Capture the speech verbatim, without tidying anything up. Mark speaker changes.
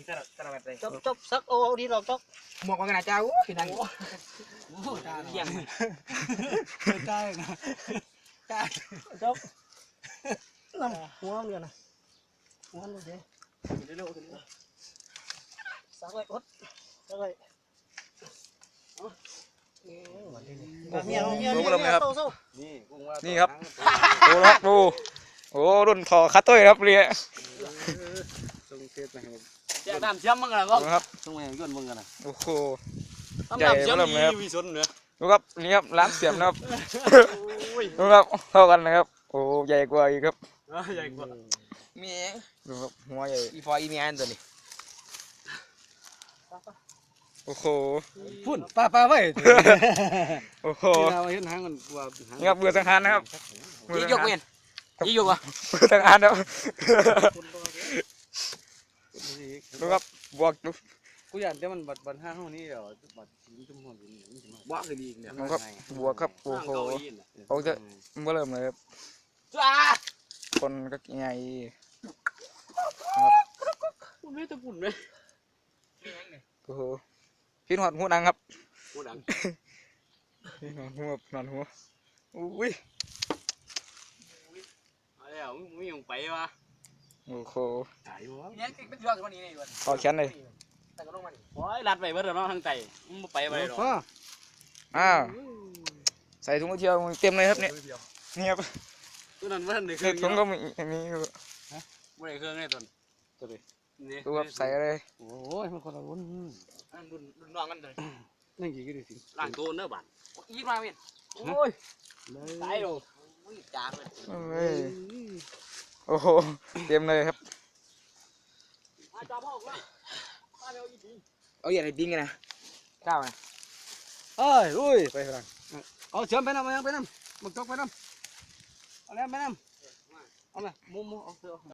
Speaker 1: ตลอดตลอดเลย
Speaker 2: chốc chốc sắc ô đi rồi chốc
Speaker 1: หมวกกันนะเจ้าพี่นั่น
Speaker 2: เยี่ยม
Speaker 3: ใช่นะใช่
Speaker 2: chốc nằm hoa liền này hoa luôn thế sắc vậy út sắc vậy miệng miệng miệng sâu sâu
Speaker 4: นี่ครับดูครับดูโอ้รุ่นทอคัตเตอร์ครับเรีย
Speaker 3: ส่งเทปมาให้
Speaker 2: จะทำเชื่อมมั้งกันก็
Speaker 4: ดูครับ
Speaker 3: ส่งมาให้ย้อนมึงกันนะ
Speaker 4: โอ้โห
Speaker 2: ทำเชื่อมมีวิสุนเนื้อ
Speaker 4: ดูครับนี่ครับร้านเสียมนะครับดูครับเท่ากันนะครับโอ้ใหญ่กว่าอีกครับ
Speaker 2: ใหญ่กว่า
Speaker 1: มี
Speaker 4: ดูครับหัวใหญ่
Speaker 1: อีฟอยอีเมียนตัวนี้
Speaker 4: โอ้โห
Speaker 3: พุ่นป้าป้าไว้
Speaker 4: โอ้โห
Speaker 3: เราเห็นหางมันว่าหาง
Speaker 4: นี่ครับเบื่อสังหารนะครับ
Speaker 1: ยี่ยกเวียนยี่ยกวะ
Speaker 4: เบื่อสังหารครับดูครับบวกดู
Speaker 3: กูอยากแต่มันบัดบัดห้างห้องนี้เดี๋ยวบัดจุ่มหัวจุ่มนี่มันจะมา
Speaker 1: บ้าคือดีเนี่ย
Speaker 4: ดูครับบวกครับโอ้โหเอาจะเมื่อเริ่มเลยครับ
Speaker 1: จ้า
Speaker 4: คนก็ใหญ่
Speaker 2: คุณไม่ตะปุ่นเลย
Speaker 4: โอ้โหพี่หอดหัวดังครับ
Speaker 2: กูดัง
Speaker 4: พี่หอดหัวนอนหัวอุ้ย
Speaker 2: อะไรอ่ะมึงยังไปวะ
Speaker 4: โอ้โห
Speaker 3: ตายวะ
Speaker 1: เนี่ยเป็นเรื่องคนนี้นี่วัน
Speaker 4: ขอแขนเลย
Speaker 1: แต่ก็ต้องมัน
Speaker 2: โอ้ยรัดไปเบิดแล้วเนาะทางใจมึงไปไปหรอก
Speaker 3: ฟ้า
Speaker 4: อ้าวใส่ถุงมือเชียวเต็มเลยครับเนี่ยนี่ครับ
Speaker 2: ตัวนั้นว่าในเค
Speaker 4: ใน
Speaker 2: รื่อง
Speaker 4: ถุงก็มีมี
Speaker 2: ไม่ได้เครื่องไงตัวตัวนี้
Speaker 4: ดูครับใส่เลย
Speaker 3: โอ้ยมันคนละรุ่น
Speaker 2: รุ่นรุ่นน้องกันเลย
Speaker 3: นั่งกี่ก็ได้สิ
Speaker 2: ล่างตัวเนื้อบัน
Speaker 1: ยี่มาเวียน
Speaker 2: โอ้ยตายโอ้ยจ้าเลย
Speaker 4: เอ้ยโอ้โหเต็มเลยครับ
Speaker 2: มาจับพ่อเลยมาเร็วอีกที
Speaker 1: เอาอย่างไรดิ้งกันนะข้าวนะ
Speaker 3: เอ้ยอุ้ยไปฝรั่งเอาเชื่อมไปน้ำมายังไปน้ำมึงตกไปน้ำเอาแล้วไปน้ำเอาละมุมมุมเอาเสือ